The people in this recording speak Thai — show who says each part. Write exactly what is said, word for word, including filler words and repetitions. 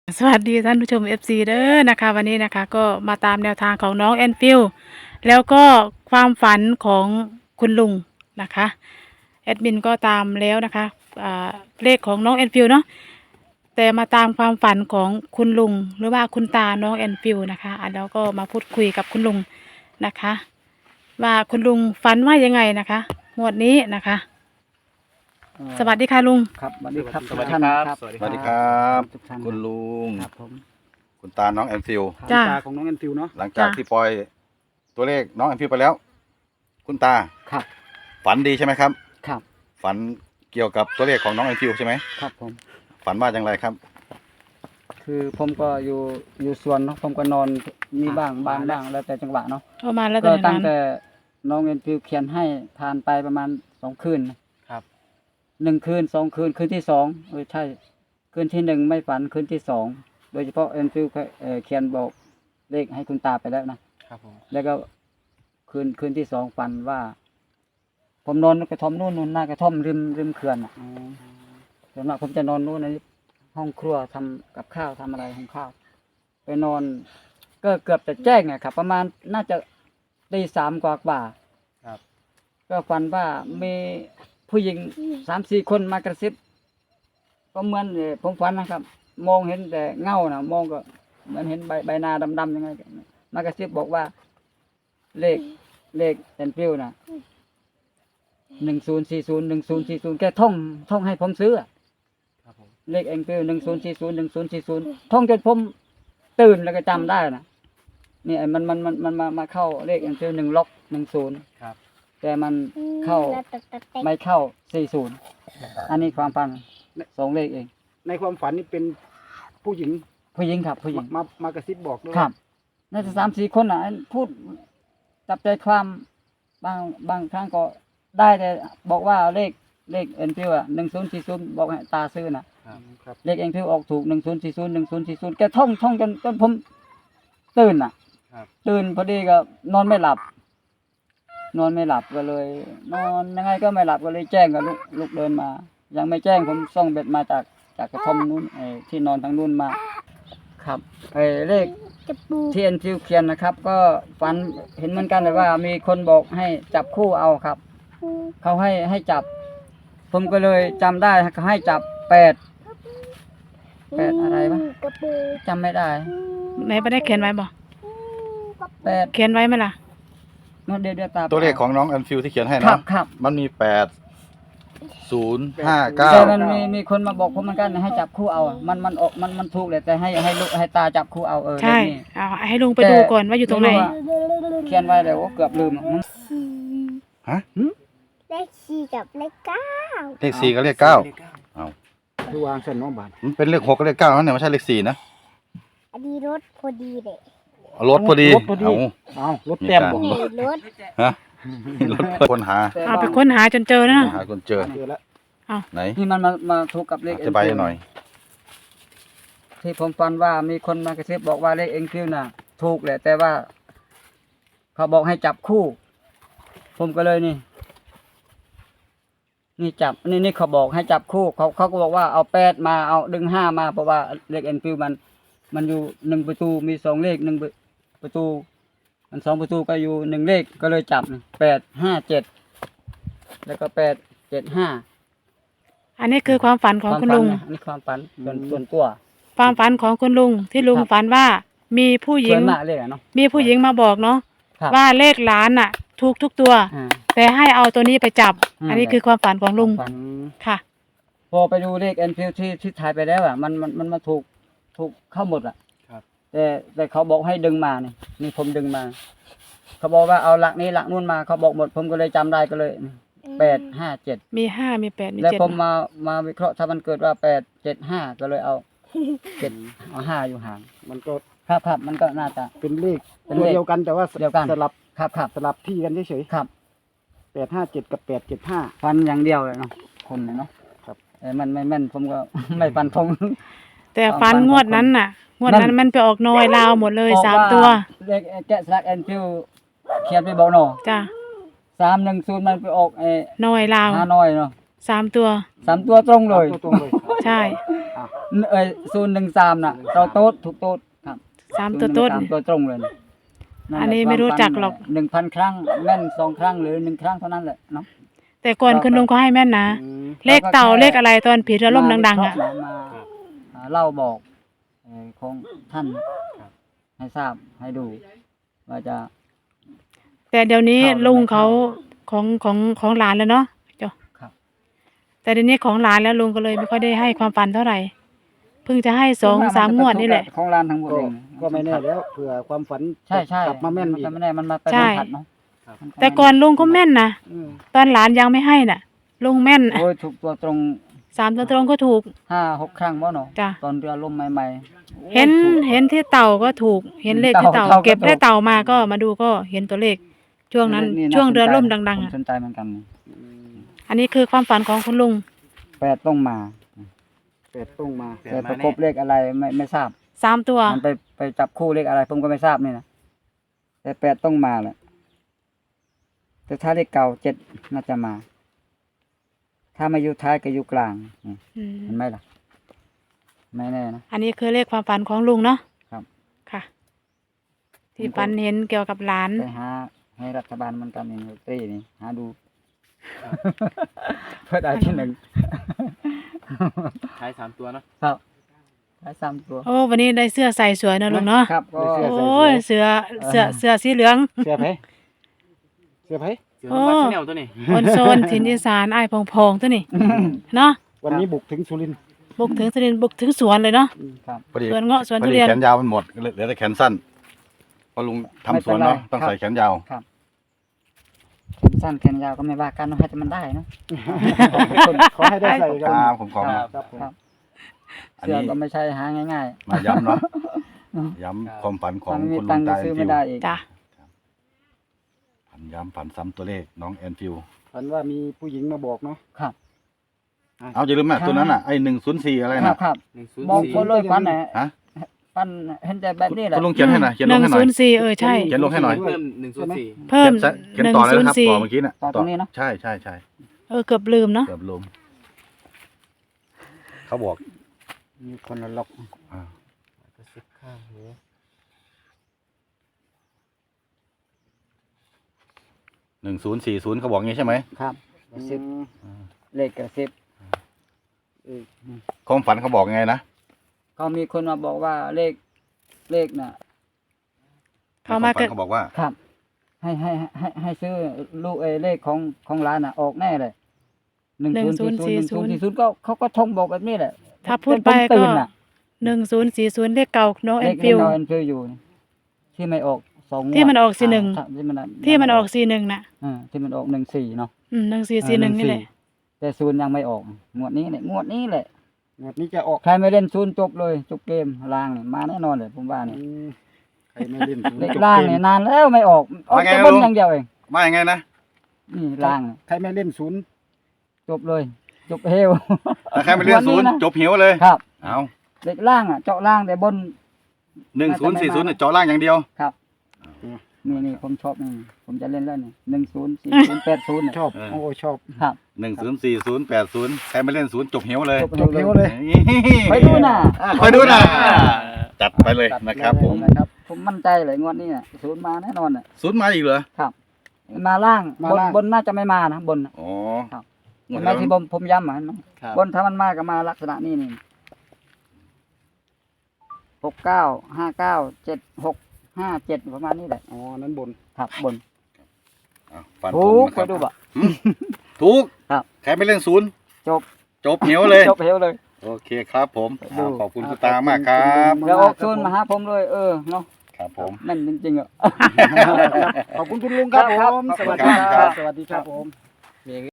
Speaker 1: สวัสดีท่านผู้ชม เอฟ ซี เด้อนะคะวันนี้นะคะก็มาตามแนวทางของน้องแอนฟิลแล้วก็ความฝันของคุณลุงนะคะแอดมินก็ตามแล้วนะคะอ่าเลขของน้องแอนฟิลเนาะแต่มาตามความฝันของคุณลุงหรือว่าคุณตาน้องแอนฟิลนะคะอ่ะแล้วก็มาพูดคุยกับคุณลุงนะคะ ว่าคุณลุงฝันว่ายังไงนะคะงวดนี้นะคะ
Speaker 2: เอ่อ
Speaker 1: สวัสดีค่ะลุง
Speaker 2: ครับสวัสดีครับ
Speaker 3: สวัสดี
Speaker 2: ทุกท่าน
Speaker 3: ครับ
Speaker 2: ครับ
Speaker 3: สวัสดี
Speaker 4: สวัสดีครับ
Speaker 2: ทุกท่าน
Speaker 4: คุณลุง
Speaker 2: ครับผม
Speaker 4: คุณตาน้องแอนฟิล
Speaker 1: จ้า
Speaker 2: ตาของน้องแอนฟิวเนาะ
Speaker 4: หลังจากที่ปล่อยตัวเลขน้องแอนฟิลไปแล้ว คุณตา
Speaker 2: ครับ
Speaker 4: ฝันดีใช่ไหมครับ
Speaker 2: ครับ
Speaker 4: ฝันเกี่ยวกับตัวเลขของน้องแอนฟิลใช่ไหม
Speaker 2: ครับผม
Speaker 4: ฝันว่าอย่างไรครับ
Speaker 2: คือผมก็อยู่อยู่สวนเนาะผมก็นอนมีบ้างบ้างบ้างแล้วแต่จังหวะเนาะ
Speaker 1: เข้ามาแล้วต
Speaker 2: ก็
Speaker 1: อน
Speaker 2: ตั้ง
Speaker 1: นั้น
Speaker 2: แต่น้องแอนฟิวเขียนให้ทานไปประมาณสองคืนนะครับ หนึ่งคืนสองคืนคืนที่สองเออใช่คืนที่หนึ่งไม่ฝันคืนที่สองโดยเฉพาะแอนฟิวเอ่อเขียนบอกเลขให้คุณตาไปแล้วนะครับ
Speaker 3: ผม
Speaker 2: แล้วก็คืนคืนที่สองฝันว่า ผมนอนกระท่อมนู่นนู่นหน้ากระท่อมริมริมเขื่อนอ่ะส่วนมากผมจะนอนนู่นในห้องครัวทำกับข้าวทำอะไรของข้าว ไปนอน ก็เกือบจะแจ้งอะครับ ประมาณน่าจะตีสามกว่ากว่า
Speaker 3: ครับ
Speaker 2: ก็ฝันว่ามีผู้หญิงสามสี่คนมากระซิบก็เหมือนเอ่อผมฝันนะครับ มองเห็นแต่เงานะมองก็เหมือนเห็นใบใบหน้าดำๆยังไงมากระซิบบอกว่า เลขเลขแอนฟิวนะหนึ่งศูนย์สี่ศูนย์หนึ่งศูนย์สี่ศูนย์แกท่องท่องให้ผมซื้ออะ
Speaker 3: ครับผม
Speaker 2: เลขแอนฟิวหนึ่งศูนย์สี่ศูนย์หนึ่งศูนย์สี่ศูนย์ท่องจนผมตื่นแล้วก็จำได้นะนี่ไอ้มันมันมันมันมามาเข้าเลขแอนฟิวหนึ่งล็อกหนึ่งศูนย์
Speaker 3: ครับ
Speaker 2: แต่มันเข้าไม่เข้าสี่ศูนย์อันนี้ความฝันสองเลขเอง
Speaker 5: ในความฝันนี่เป็นผู้หญิง
Speaker 2: ผู้หญิงครับผู้หญิง
Speaker 5: มามากระซิบบอกด้วย
Speaker 2: ครับน่าจะสามสี่คนอ่ะพูดจับใจความบางบางครั้งก็ได้แต่บอกว่าเลขเลขเอ็นพิวอ่ะหนึ่งศูนย์สี่ศูนย์บอกให้ตาซื้อน่ะ
Speaker 3: ครับ
Speaker 5: ครับ
Speaker 2: เลขเอ็นพิวออกถูกหนึ่งศูนย์สี่ศูนย์หนึ่งศูนย์สี่ศูนย์แกท่องท่องจนจนผมตื่นอ่ะ
Speaker 3: ครับ
Speaker 2: ตื่นพอดีก็นอนไม่หลับ นอนไม่หลับก็เลย นอนยังไงก็ไม่หลับก็เลยแจ้งกับลูกลูกเดินมา ยังไม่แจ้งผมส่องเบ็ดมาจากจากกระท่อมนู้นไอ้ที่นอนทางนู้นมา ครับไอ้เลขที่เอ็นฟิวเขียนนะครับ ก็ฝันเห็นเหมือนกันเลยว่า มีคนบอกให้จับคู่เอาครับ เขาให้ให้จับ ผมก็เลยจำได้เขาให้จับแปดแปดอะไรวะจำไม่ได้
Speaker 1: ไหนไม่ได้เขียนไว้บ่
Speaker 2: แปด
Speaker 1: เขียนไว้ไหมล่ะ
Speaker 2: เดี๋ยวเดี๋ยวตา
Speaker 4: ตัวเลขของน้องแอนฟิลที่เขียนให้
Speaker 2: ครั
Speaker 4: นะ
Speaker 2: บครับ
Speaker 4: มันมีแปดศูนย์ห้าเก้า
Speaker 2: แต่มันมีมีคนมาบอกผมเหมือนกันให้จับคู่เอา มันมันออกมันมันถูกเลยแต่ให้ให้ลูกให้ตาจับคู่เอาเออ
Speaker 1: ใช่
Speaker 2: เลขนี้
Speaker 1: เอาให้ลุงไปดูก่อนว่าอยู่ตรงไหน
Speaker 2: ม่ว่าเขียนไว้เลยโอ้เกือบลืมอะ
Speaker 4: ฮะ
Speaker 6: เลขสี่กับเลขเก้า
Speaker 4: เลขสี่กับเลขเก้า
Speaker 3: เลขเก้า
Speaker 4: เอา
Speaker 5: คือวางเส้นน้องบาท
Speaker 4: มันเป็นเลขหกกับเลขเก้านั่นเนี่ยไม่ใช่เลขสี่นะ
Speaker 6: อันนี้รถพอดีเลย
Speaker 4: เอารถพอดีเอา
Speaker 5: เอารถเต็มบอก
Speaker 6: นี่รถ
Speaker 4: ฮะรถคนหา
Speaker 2: แต่
Speaker 1: เอาไป
Speaker 2: ว่า
Speaker 1: ค้นหาจนเจอนะ
Speaker 4: หาคนเจอ
Speaker 5: เจอแล้ว
Speaker 4: ไหน
Speaker 2: นี่มันมามาถูกกับเลข
Speaker 4: อธิบายให้หน่อย
Speaker 2: ที่ผมฟันว่ามีคนมากระซิบบอกว่าเลขเอ็นคิวน่ะ ถูกแหละ แต่ว่า เขาบอกให้จับคู่ ผมก็เลยนี่ นี่จับนี่นี่เขาบอกให้จับคู่ เขาเขาก็บอกว่าเอาแปดมาเอาดึงห้ามาเพราะว่าเลขเอ็นคิวมัน มันอยู่หนึ่งประตูมีสองเลขหนึ่งประตู มันสองประตูก็อยู่หนึ่งเลขก็เลยจับแปดห้าเจ็ดแล้วก็แปดเจ็ดห้า
Speaker 1: อันนี้คือความฝันของคุณลุง
Speaker 2: วามฝันนะอันนี่ความฝันส่วนส่วนตัว
Speaker 1: ความฝันของคุณลุงที่ลุง
Speaker 2: ครับ
Speaker 1: ฝันว่ามีผู้หญิ
Speaker 2: ส่ว
Speaker 1: ง
Speaker 2: นมากเลยอะเนาะ
Speaker 1: มีผู้หญิงมาบอกเนาะ
Speaker 2: ครับ
Speaker 1: ว่าเลขล้านน่ะถูกทุกตัว
Speaker 2: อ่า
Speaker 1: แต่ให้เอาตัวนี้ไปจับ
Speaker 2: อืม
Speaker 1: อันนี้คือความฝันของลุง
Speaker 2: ฝัน
Speaker 1: ค่ะ
Speaker 2: พอไปดูเลขเอ็นฟิวที่ที่ถ่ายไปแล้วอ่ะมันมันมันมาถูกถูกเข้าหมดอ่ะ
Speaker 3: ครับ
Speaker 2: แต่แต่เขาบอกให้ดึงมานี่นี่ผมดึงมา เขาบอกว่าเอาหลักนี้หลักนู่นมาเขาบอกหมดผมก็เลยจำได้ก็เลยแปดห้าเจ็ด
Speaker 1: มีห้ามีแปดมี
Speaker 2: แล้ว
Speaker 1: เจ็ด
Speaker 2: ผมมามาวิเคราะห์ถ้ามันเกิดว่าแปดเจ็ดห้าก็เลยเอาเจ็ดเอาห้าอยู่ห่าง
Speaker 5: มันก็
Speaker 2: ครับครับมันก็น่าจะ
Speaker 5: เป็นเลข
Speaker 2: เป็น
Speaker 5: ตัว
Speaker 2: เลข
Speaker 5: เดียวกันแต่ว่า
Speaker 2: เดียวกัน
Speaker 5: สลับ
Speaker 2: ครับครับ
Speaker 5: สลับที่กันเฉย
Speaker 2: ครับ
Speaker 5: ๆแปดห้าเจ็ดกับแปดเจ็ดห้า
Speaker 2: ฟันอย่างเดียวเลยเนาะคนเนี่ยเนาะ
Speaker 5: ครับ
Speaker 2: เออมันไม่แม่นผมก็ ไม่ฟันธง
Speaker 1: แต่ฝันงวดนั้นน่ะ งวดนั้นมันไปออกนอยลาวหมดเลยสามตัว
Speaker 2: เลขแกะสลักแอนฟิวเขียนไปบอกเนาะ
Speaker 1: จ้ะ
Speaker 2: สามหนึ่งศูนย์มันไปออกไอ้
Speaker 1: นอยลาว
Speaker 2: ฮานอยเนาะ
Speaker 1: สามตัว
Speaker 2: สามตัวตรงเลย
Speaker 5: ตัวตรงเลย
Speaker 1: ใช่
Speaker 2: เอ้ยศูนย์หนึ่งสามน่ะเราโต๊ดถูกโต๊ดครับ
Speaker 1: สามตัวต้น
Speaker 2: สามตัวตรงเลยะ
Speaker 1: อันนี้ไม่รู้จักหรอก
Speaker 2: หนึ่งพันครั้งแม่นสองครั้งหรือหนึ่งครั้งเท่านั้นแหละเนาะ
Speaker 1: แต่ก่อนคุณลุงเขาให้แม่นนะ
Speaker 5: อืม
Speaker 1: เลขเต่าเลขอะไรตอนผีเรือล่มดังๆอ่ะ
Speaker 2: มามาอ่าเล่าบอกเอ่อของท่านให้ทราบให้ดู ว่าจะ
Speaker 1: แต่เดี๋ยวนี้
Speaker 2: เข้าแล้ว
Speaker 1: ลุง
Speaker 2: ไม่
Speaker 1: เขา
Speaker 2: เข้า
Speaker 1: ของของของหลานแล้วเนาะเจ้า
Speaker 2: ครับ
Speaker 1: แต่เดี๋ยวนี้ของหลานแล้วลุงก็เลยไม่ค่อยได้ให้ความฝันเท่าไหร่ เพิ่งจะให้สองสามงวดนี่แหละ
Speaker 2: ของร้านทั้งหมด
Speaker 5: ก็
Speaker 2: เอง
Speaker 5: ก็ไม่แน่แล้วเผื่อความฝัน
Speaker 2: ใช่ใช่
Speaker 5: กลับมาแม่นอีก
Speaker 2: จะไม่แน่มันมาไป
Speaker 1: ใช่
Speaker 2: สัมผัสเนาะมั
Speaker 1: แต่ก่อนลุงก็แม่นนะ
Speaker 5: อืม
Speaker 1: ตอนหลานยังไม่ให้น่ะ ลุงแม่น
Speaker 2: โอ้ยถูกตัวตรง
Speaker 1: สามตัวตรงก็ถูก
Speaker 2: ห้าหกครั้งบ่เนาะ
Speaker 1: จ้ะ
Speaker 2: ตอนเรือล่มใหม่ๆโอ้ย
Speaker 1: เห็น
Speaker 2: ถูก
Speaker 1: เห็นที่เต่าก็ถูก เห็นเลขที่เต่า
Speaker 2: เต่าก็
Speaker 1: เก็บ
Speaker 2: ถูก
Speaker 1: ได้เต่ามาก็มาดูก็เห็นตัวเลข ช่วงนั้น
Speaker 2: นี่า
Speaker 1: ช่วงเรือ
Speaker 2: สนใจ
Speaker 1: ล่มดังๆ
Speaker 2: ผม
Speaker 1: อ่ะ
Speaker 2: สนใจเหมือนกันนี่
Speaker 1: อันนี้คือความฝันของคุณลุง
Speaker 2: แปดต้องมา
Speaker 5: แปดต้องมา
Speaker 2: แต่ประกบเลขอะไรไม่ไม่ทราบ
Speaker 1: สามตัว
Speaker 2: มันไปไปจับคู่เลขอะไรผมก็ไม่ทราบนี่นะแต่แปดต้องมาแหละแต่ถ้าเลขเก่าเจ็ดน่าจะมา ถ้าไม่อยู่ท้ายก็อยู่กลางนี่
Speaker 1: อืม
Speaker 2: เห็นไหมล่ะ ไม่แน่นะ
Speaker 1: อันนี้คือเลขความฝันของลุงเนาะ
Speaker 2: ครับ
Speaker 1: ค่ะ ที่ฝันเห็นเกี่ยวกับหลาน
Speaker 2: ไปหาให้รัฐบาลเหมันกันนี่ลอตเตอรี่นี่หาดู เพื่อได้ที่หนึ่ง
Speaker 3: ท้ายสามตัวเนอะ
Speaker 2: ครับได้สามตัว
Speaker 1: โอ้วันนี้ได้เสื้อใส่สวยนะลุงเนาะ
Speaker 2: ครับก็
Speaker 1: โอ้ยเสื้อเสื้อเสื้อสีเหลือง
Speaker 5: เสื้อไผเสื้อไผ
Speaker 3: เสือวัดชาแนลตัวนี้
Speaker 1: คนโซนถิ่นอีสานอ้ายพองๆตัวนี้เนาะ
Speaker 5: วันนี้บุกถึงสุรินทร์
Speaker 1: บุกถึงสุรินทร์บุกถึงสวนเลยเนาะ
Speaker 2: ครับ
Speaker 4: พอดี
Speaker 1: สวนเงาะสวน
Speaker 4: พอ
Speaker 1: ทุ
Speaker 4: ดี
Speaker 1: เรียน
Speaker 4: แขนยาวมันหมดเหลือแต่แขนสั้นเพอลุงทำสวนเนาะต้องใส่แขนยาว
Speaker 2: แขนสั้นแขนยาวก็ไม่ว่ากันเนาะให้แต่มันได้เนาะ
Speaker 5: ขอให้ได้ใส่กัน
Speaker 4: ครับผมขอ
Speaker 5: ครับผม
Speaker 2: ครับ
Speaker 4: อัน
Speaker 2: เสื้อ
Speaker 4: นี้
Speaker 2: ก็ไม่ใช่หาง่าย
Speaker 4: มาย้ำเนาะย้ำความฝัน
Speaker 2: ๆ
Speaker 4: ของ
Speaker 2: ถ้าไม่มี
Speaker 4: คุณลุ
Speaker 2: ตัง
Speaker 4: ง
Speaker 2: ค์ก็
Speaker 4: ตาแอ
Speaker 2: ซื้อน
Speaker 4: ฟิ
Speaker 2: ไม่
Speaker 4: ว
Speaker 2: ได้อีก
Speaker 1: จ้ะ
Speaker 4: ฝันย้ำฝันซ้ำตัวเลขน้องแอนฟิว
Speaker 5: ฝันว่ามีผู้หญิงมาบอกเนาะ
Speaker 2: ครับ
Speaker 4: เอาอย่าลืมนะตัวนั้นอ่ะไอ้หนึ่งศูนย์สี่อะไร
Speaker 2: ครั
Speaker 4: นะ
Speaker 2: บครับ
Speaker 3: หนึ่งศูนย์
Speaker 2: มอง
Speaker 3: สี่
Speaker 2: คนเลยปันไหน
Speaker 4: ฮะ
Speaker 2: ปันเห็นใจแบบนี้แหละ
Speaker 4: คุณลุงเขียนให้หน่อยเขียน
Speaker 1: ห
Speaker 4: ลง
Speaker 1: นึ่ง
Speaker 4: ให้หน่
Speaker 1: ศู
Speaker 4: อย
Speaker 1: นย์สี่เออใช่
Speaker 4: เขียนลงให้หน่อย
Speaker 3: เพิ่มหนึ่งศูนย์สี่
Speaker 1: เพิ่ม
Speaker 4: เขียน
Speaker 1: หนึ่ง
Speaker 4: ต่อเลย
Speaker 1: ศูน
Speaker 4: นะ
Speaker 1: ย์
Speaker 4: ครับ
Speaker 1: สี่
Speaker 4: ต่อเมื่อกี้น่ะ
Speaker 2: ต่อตรงนี้เนาะ
Speaker 4: ใช่ใช่ใช่
Speaker 1: เออเกือบลืมเนาะ
Speaker 4: เกือบลมเขาบอก
Speaker 2: มีคนละล็อก
Speaker 4: อ่า
Speaker 3: ก็สิบข้างหู
Speaker 4: หนึ่งศูนย์สี่ศูนย์เขาบอกงี้ใช่ไหม
Speaker 2: ครับกระซิบเลขกระซิบ
Speaker 4: ความฝันเขาบอกไงนะ
Speaker 2: เขามีคนมาบอกว่าเลขเลขน่ะ
Speaker 1: เขามา
Speaker 4: คว
Speaker 1: เกิ
Speaker 4: ฝั
Speaker 1: ด
Speaker 4: นเขาบอกว่า
Speaker 2: ครับ ให้ให้ให้ให้ซื้อลูกเออเลขของของร้านน่ะ ออกแน่เลยหนึ่งศูนย์สี่ศูนย์หนึ่งศูนย์สี่ศูนย์ก็เขาก็ทงบอกแบบนี้แหละ
Speaker 1: ถ้าพูดไป
Speaker 2: ผม
Speaker 1: ก็
Speaker 2: ตื่นน่ะ
Speaker 1: หนึ่งศูนย์สี่ศูนย์เลขเก่าน้องแอ
Speaker 2: เล
Speaker 1: น
Speaker 2: ข
Speaker 1: ฟิ
Speaker 2: ที่
Speaker 1: ว
Speaker 2: นอนฟิลอยู่นี่ที่ไม่ออกสองงวด
Speaker 1: ที่มันออกสี่หนึ่ง
Speaker 2: ครับที่มัน
Speaker 1: ที่มันออกสี่หนึ่งน่ะ
Speaker 2: อ่าที่มันออกหนึ่งสี่เนาะ
Speaker 1: อืมหนึ่งสี่สี่หนึ่งนี่แหละ
Speaker 2: แต่ศูนย์ยังไม่ออกงวดนี้เนี่ยงวดนี้แหละ
Speaker 5: งวดนี้จะออก
Speaker 2: ใครไม่เล่นศูนย์จบเลยจบเกมล่างเนี่ยมาแน่นอนเลยผมว่าเนี่ย
Speaker 5: อืมใครไม่เล่นศูนย์
Speaker 2: เลข
Speaker 5: จบ
Speaker 2: ล่าง
Speaker 5: เกม
Speaker 2: เนี่ยนานแล้วไม่ออกออก
Speaker 4: ว่าไง
Speaker 2: แต่
Speaker 4: นะ
Speaker 2: บน
Speaker 4: ลุง
Speaker 2: อย่างเดียวเอง
Speaker 4: ว่ายังไงนะ
Speaker 2: นี่ล่างเนี่ย
Speaker 5: ใครไม่เล่นศูนย์
Speaker 2: จบเลย จบเฮว
Speaker 4: ถ้าใครไม่เล่นศูนย์
Speaker 2: วันนี้นะ
Speaker 4: จบหิวเลย
Speaker 2: ครับ
Speaker 4: เอา
Speaker 2: เลขล่างอ่ะเจาะล่างแต่บน
Speaker 4: หนึ่งศูนย์สี่ศูนย์เจาะล่างอย่างเดียว
Speaker 2: ครับนี่นี่ผมชอบนี่ผมจะเล่นแล้วนี่หนึ่งศูนย์สี่ศูนย์แปดศูนย์
Speaker 5: ชอบโอ้ชอบ
Speaker 2: ครับ
Speaker 4: หนึ่งศูนย์สี่ศูนย์แปดศูนย์ใครไม่เล่นศูนย์จบหิวเลย
Speaker 2: จบ
Speaker 5: จบเร็วเลย
Speaker 2: ไปดูน่ะ
Speaker 4: อ่ะคอยดูนะจัดไปเลยนะครับผม
Speaker 2: นะครับผมมั่นใจเลยงวดนี้น่ะศูนย์มาแน่นอนน่ะ
Speaker 4: ศูนย์มาอีกเหรอ
Speaker 2: มาล่าง
Speaker 5: มา
Speaker 2: บน
Speaker 5: ล่าง
Speaker 2: บนน่าจะไม่มานะบนน่ะ
Speaker 4: อ๋อ
Speaker 2: ครับ
Speaker 4: หม
Speaker 2: เห็
Speaker 4: ด
Speaker 2: นไหม
Speaker 4: แล้ว
Speaker 2: ที่ผมผมย้ำอ่ะเห็นไหม
Speaker 3: ครับ
Speaker 2: บนถ้ามันมาก็มาลักษณะนี้นี่หกเก้าห้าเก้าเจ็ดหกห้าเจ็ดประมาณนี้แหละ
Speaker 5: อ๋อนั้นบน
Speaker 2: ครับบน
Speaker 4: อ่ะฝัน
Speaker 2: ถู
Speaker 4: ผม
Speaker 2: ก
Speaker 4: นะค
Speaker 2: ไป
Speaker 4: รับ
Speaker 2: ดูบ่
Speaker 4: ถูก
Speaker 2: ครับ
Speaker 4: ใครไม่เล่นศูนย์
Speaker 2: จบ
Speaker 4: จบหิวเลย
Speaker 2: จบเฮวเลย
Speaker 4: โอเคครับผม
Speaker 2: ดู
Speaker 4: อ่าขอบคุณคุณตามากครับ
Speaker 2: แล้วออกศูนย์มาหาผมเลยเออเนาะ
Speaker 4: ครับผม
Speaker 2: แม่นจริงๆอ่ะ
Speaker 5: ขอบคุณคุณลุงครับ
Speaker 2: ครับ
Speaker 5: ผม
Speaker 2: ครับ
Speaker 5: สวัสดี
Speaker 2: ขอบคุณ
Speaker 5: ค
Speaker 2: ครั
Speaker 5: รับ บ สวัสดีครับผม